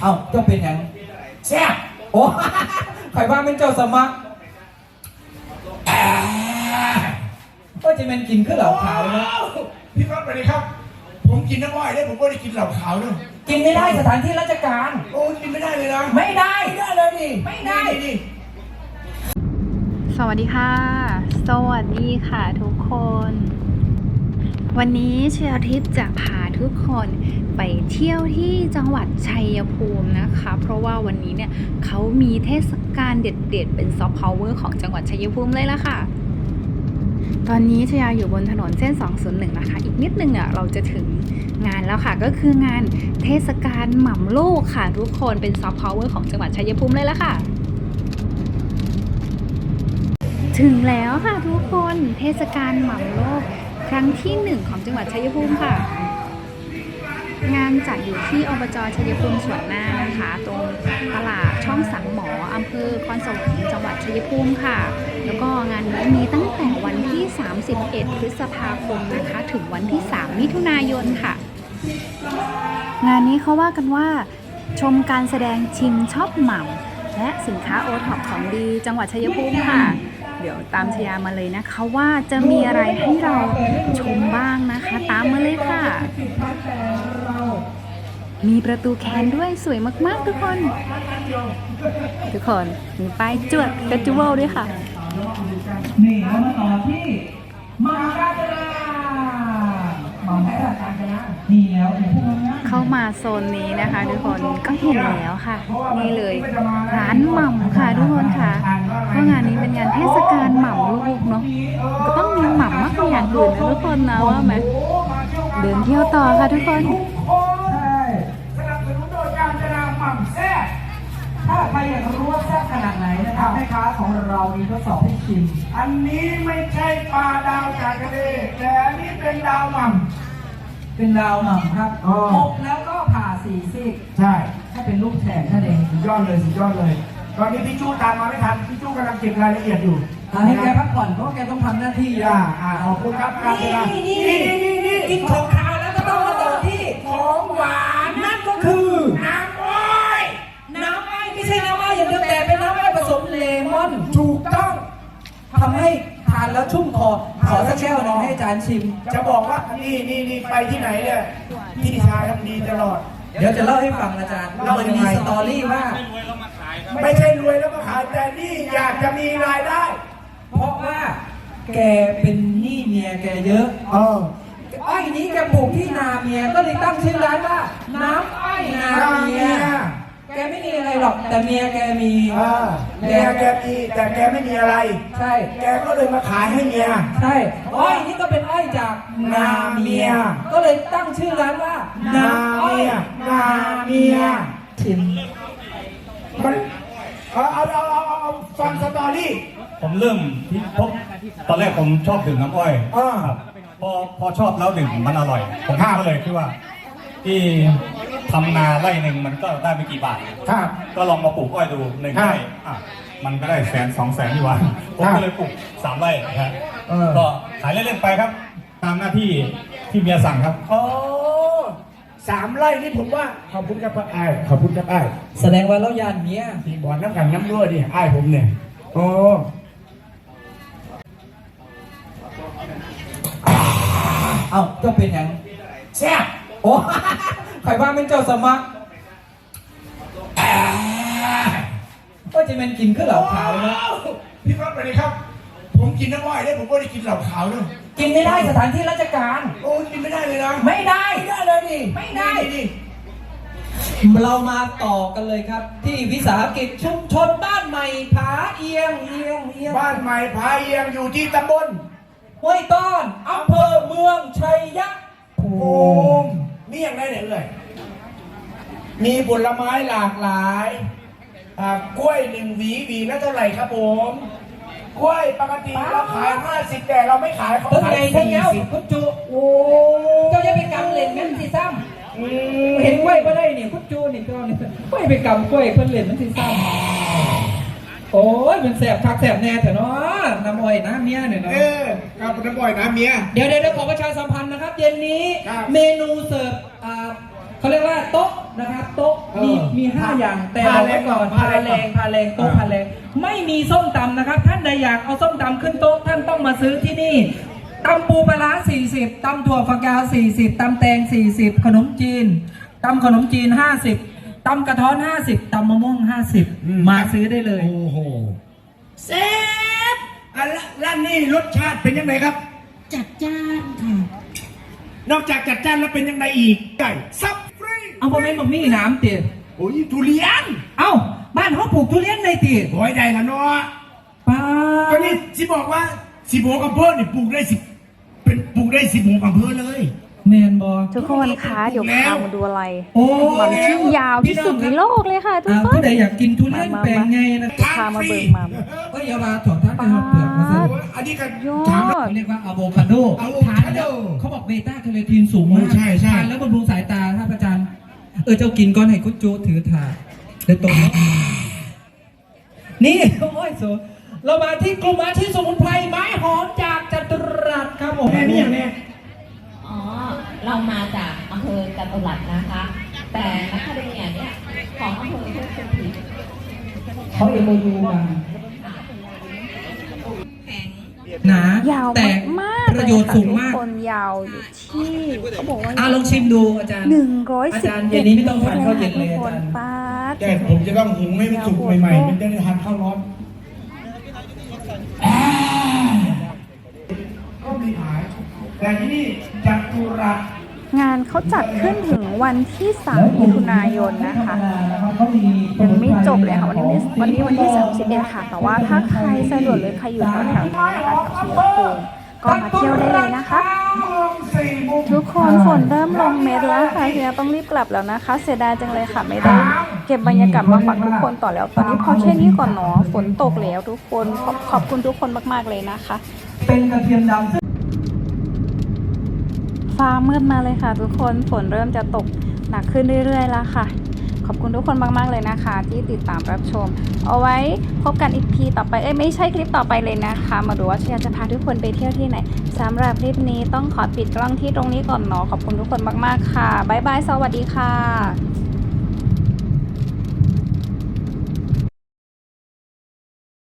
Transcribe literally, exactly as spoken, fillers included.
เอ้าเจ้าเป็นอย่างแซ่บโอ้ใครว่าเป็นเจ้าสมัครก็จะเป็นกินขึ้นเหล่าขาวนะพี่ครับสวัสดีครับผมกินน้ำอ้อยได้ผมก็ได้กินเหล่าขาวด้วยกินไม่ได้สถานที่ราชการโอ้กินไม่ได้เลยนะไม่ได้ไม่ได้เลยดิไม่ได้ดิสวัสดีค่ะสวัสดีค่ะทุกคนวันนี้เชียร์ทิพย์จะพาทุกคนไปเที่ยวที่จังหวัดชัยภูมินะคะเพราะว่าวันนี้เนี่ยเขามีเทศกาลเด็ดๆเป็นซอฟต์พาวเวอร์ของจังหวัดชัยภูมิเลยล่ะค่ะตอนนี้เชียร์อยู่บนถนนเส้นสองศูนย์หนึ่งนะคะอีกนิดนึงเนี่ยเราจะถึงงานแล้วค่ะก็คืองานเทศกาลหม่ำโลกค่ะทุกคนเป็นซอฟต์พาวเวอร์ของจังหวัดชัยภูมิเลยล่ะค่ะถึงแล้วค่ะทุกคนเทศกาลหม่ำโลกครั้งที่หนึ่งของจังหวัดชัยภูมิค่ะงานจัดอยู่ที่อบจ.ชัยภูมิสวนหน้านะคะตรงตลาดช่องสังหมออำเภอคอนสวรรค์จังหวัดชัยภูมิค่ะแล้วก็งานนี้มีตั้งแต่วันที่สามสิบเอ็ดพฤษภาคมนะคะถึงวันที่สามมิถุนายนค่ะงานนี้เขาว่ากันว่าชมการแสดงชิมช็อปหม่ำและสินค้าโอท็อปของดีจังหวัดชัยภูมิค่ะเดี๋ยวตามชยามาเลยนะคะว่าจะมีอะไรให้เราชมบ้างนะคะตามมาเลยค่ะมีประตูแคนด้วยสวยมากๆทุกคนทุกคนมีป้ายจวดเฟสติวัลด้วยค่ะนี่เรามาต่อที่มาการจนามาการจนานี่แล้วเข้ามาโซนนี้นะคะทุกคนก็เห็นแล้วค่ะนี่เลยร้านหม่ำค่ะทุกคนค่ะเพราะงานนี้เป็นงานเทศกาลหม่ำลูกเนาะก็ต้องมีหม่ำมากกว่าอย่างอื่นนะทุกคนนะว่าไหมเดินเที่ยวต่อค่ะทุกคนสนับสนุนโดยการจนาหม่ำแซ่บถ้าใครอยากรู้ว่าแซ่บขนาดไหนนะครับแม่ค้าของเรามีทดสอบให้ชิมอันนี้ไม่ใช่ปลาดาวจากทะเลแต่อันนี้เป็นดาวหม่ำเป็นดาวหม่ำครับอบแล้วก็ผ่าสี่ซีกใช่ถ้าเป็นลูกแฉกนั่นเองสุดยอดเลยสุดยอดเลยตอนนี้พี่จู้ตามมาไม่ทันพี่จู้กำลังเก็บรายละเอียดอยู่ให้แกพักผ่อนเพราะแกต้องทำหน้าที่อ่าอ่าขอบคุณครับการเวลานี่นี่นี่นี่กินของขาวแล้วก็ต้องมาต่อที่ของหวานนั่นก็คือน้ำอ้อยน้ำอ้อยไม่ใช่น้ำอ้อยอย่างเดียวแต่เป็นน้ำอ้อยผสมเลมอนถูกต้องทำให้ทานแล้วชุ่มคอขอสักแก้วหนึ่งให้อาจารย์ชิมจะบอกว่านี่นี่นี่ไปที่ไหนเนี่ยพี่ชายทำดีตลอดเดี๋ยวจะเล่าให้ฟังอาจารย์เราจะมีสตอรี่ว่าไม่ใช่รวยแล้วมาขายแต่นี่อยากจะมีรายได้เพราะว่าแกเป็นหนี้เมียแกเยอะเอออ้อยนี้แกปลูกที่นาเมียก็เลยตั้งชื่อร้านว่าน้ำอ้อยนาเมียแกไม่มีอะไรหรอกแต่เมียแกมีเมียแกมีแต่แกไม่มีอะไรใช่แกก็เลยมาขายให้เมียใช่อ้อยนี้ก็เป็นอ้อยจากนาเมียก็เลยตั้งชื่อร้านว่านาเมียนาเมียชิมมันเอาเอาเอาเอาเอาฟังสตอรี่ผมเริ่มที่พบตอนแรกผมชอบดื่มน้ำอ้อยครับพอพอชอบแล้วดื่มมันอร่อยผมก็เลยคิดว่าที่ทำนาไร่หนึ่งมันก็ได้ไม่กี่บาทครับก็ลองมาปลูกอ้อยดูหนึ่งไร่อ่ะมันก็ได้แสนสองแสนที่วันผมก็เลยปลูกสามไร่ครับก็ขายเล่นๆไปครับตามหน้าที่ที่เมียสั่งครับโอ้สามไร่นี่ผมว่าขอบคุณครับไอ้ขอบคุณครับไอ้แสดงว่าเรายานเมียที่บ่อนน้ำกันน้ำรั่วดิไอ้ผมเนี่ยโอ้เอ้าเจ้าเป็นอย่างแซ่บโอ้ใครว่าเป็นเจ้าสมัครก็จะเป็นกินขึ้นเหล่าขาวนะพี่ครับสวัสดีครับผมกินน้ำอ้อยได้ผมก็ได้กินเหล่าขาวด้วยกินไม่ได้สถานที่ราชการโอ้กินไม่ได้เลยนะไม่ได้ไม่ได้เลยดิไม่ได้ดิเรามาต่อกันเลยครับที่วิสาหกิจชุมชนบ้านใหม่ผาเอียงเอียงเอียงบ้านใหม่ผาเอียงอยู่ที่ตำบลห้วยต้อนอำเภอเมืองชัยภูมิมีอย่างไรเนี่ยเลยมีผลไม้หลากหลายกล้วยหนึ่งหวีหวีละเท่าไหร่ครับผมกล้วยปกติเราขายห้าสิบแต่เราไม่ขายเขาขายสี่สิบคุณจูโอ้เจ้าจะไปกำเล่นงั้นสิซ้ำเห็นกล้วยก็ได้เนี่ยคุณจูนี่ก็ไม่ไปกำกล้วยเพิ่นเล่นมันสิซ้ำโอ้ยมันแสบคักแสบแน่แต่เนาะน้ำอ้อยน้ำเมียเนี่ยเนาะเออกับน้ำอ้อยน้ำเมียเดี๋ยวเดี๋ยวขอประชาสัมพันธ์นะครับเย็นนี้เมนูเสิร์ฟเขาเรียกว่าโต๊ะนะครับโต๊ะมีเออมีห้าอย่างแต่พาบอกแรไว้งก่อนพาพาแรงแรงพาแรงโต๊ะอ่าพาแรงไม่มีส้มตำนะครับ ท่านใดอยากเอาส้มตำขึ้นโต๊ะท่านต้องมาซื้อที่นี่ตำปูปลาร้าสี่สิบตำถั่วฝักยาวสี่สิบตำแตงสี่สิบขนมจีนตำขนมจีนห้าสิบตำกระท้อนห้าสิบตำมะม่วงห้าสิบมาซื้อได้เลยโอ้โหเซฟอ่ะแล้วร้านนี้รสชาติเป็นยังไงครับจัดจ้านค่ะนอกจากจัดจ้านแล้วเป็นยังไงอีกไก่ซับฟรีเอาพ่อแม่บอกมีน้ำติโอ้ยทุเรียนเอ้าบ้านเขาปลูกทุเรียนในติโอ้ยได้ละเนาะป้าก็นี่สิบอกว่าสิบหกอำเภอนี่ปลูกได้สิบเป็นปลูกได้สิบหกอำเภอเลยแมนบอทุกคนคะเดี๋ยวพามาดูอะไรโอ้หม่ำที่ยาวที่สุดในโลกเลยค่ะทุกอ่าคนผู้ใดอยากกินทุเรียนแปลงไงนะเดี๋ยวพามาเบิ่งหม่ำก็อย่ามาถอดท่านไปหอดเปลือกมาสิโอ้ยอันนี้ก็ยอถามดเขาเรียกว่าอะโวคาโดอะโวทานคาโดแล้วเขาบอกเบต้าแคโรทีนสูงมากโอ้ใช่ใช่ทานแล้วบำรุงสายตาท่านอาจารย์ เออเจ้ากินก้อนให้กุ๊จูถือถาดเดี๋ยวตรงนี้นี่โอ้ยโซเรามาที่กลุ่มอาชีพสมุนไพรไม้หอมจากจัตุรัสครับผมแม่นี่อย่างเนี้ยอ๋อ เรามาจากอำเภอจตุรัสนะคะ แต่นักคาเดเมียเนี่ยของอำเภอเทพสถิตเขาเอโมยูมาแข็งหนายาวแต่มากๆปเลระยโยชน์ค่ะสูงทุกมากคนยาวอยู่ที่เขาบอกว่าอ่ะลองชิมดูอาจารย์หนึ่งร้อยอาสิบจารย์เย็นนี้ไม่ต้องทานข้าวเย็นเลยทุกอาคนจารย์ป้าดแต่ผมจะต้องหุงให้มันสุกใหม่ๆมันจะได้ทานข้าวร้อนอ่าก็มีขายแต่ที่นี่จัตุรัสงานเขาจัดขึ้นถึงวันที่สามมิถุนายนนะคะยังไม่จบเลยค่ะวันนี้วันนี้วันที่สามสิบเอ็ดค่ะ แต่ว่าถ้าใครสะดวกหรือใครอยู่แถวๆนี้นะคะที่ชัยภูมิก็มาเที่ยวได้เลยนะคะ ทุกคนฝนเริ่มลงเม็ดแล้วค่ะเฮียต้องรีบกลับแล้วนะคะ เสียดายจังเลยค่ะไม่ได้เก็บบรรยากาศมาฝากทุกคนต่อแล้ว ตอนนี้พอแค่นี้ก่อนเนาะฝนตกแล้วทุกคนขอบขอบคุณทุกคนมากๆเลยนะคะเป็นกระเทียมดำฟ้ามืดมาเลยค่ะ ทุกคนฝนเริ่มจะตกหนักขึ้นเรื่อยๆแล้วค่ะ ขอบคุณทุกคนมากๆเลยนะคะ ที่ติดตามรับชม เอาไว้พบกันอีกทีต่อไปเอ้ยไม่ใช่คลิปต่อไปเลยนะคะ มาดูว่าเชียร์จะพาทุกคนไปเที่ยวที่ไหนสำหรับคลิปนี้ต้องขอปิดกล้องที่ตรงนี้ก่อนเนาะขอบคุณทุกคนมากๆค่ะบ๊ายบายสวัสดีค่ะ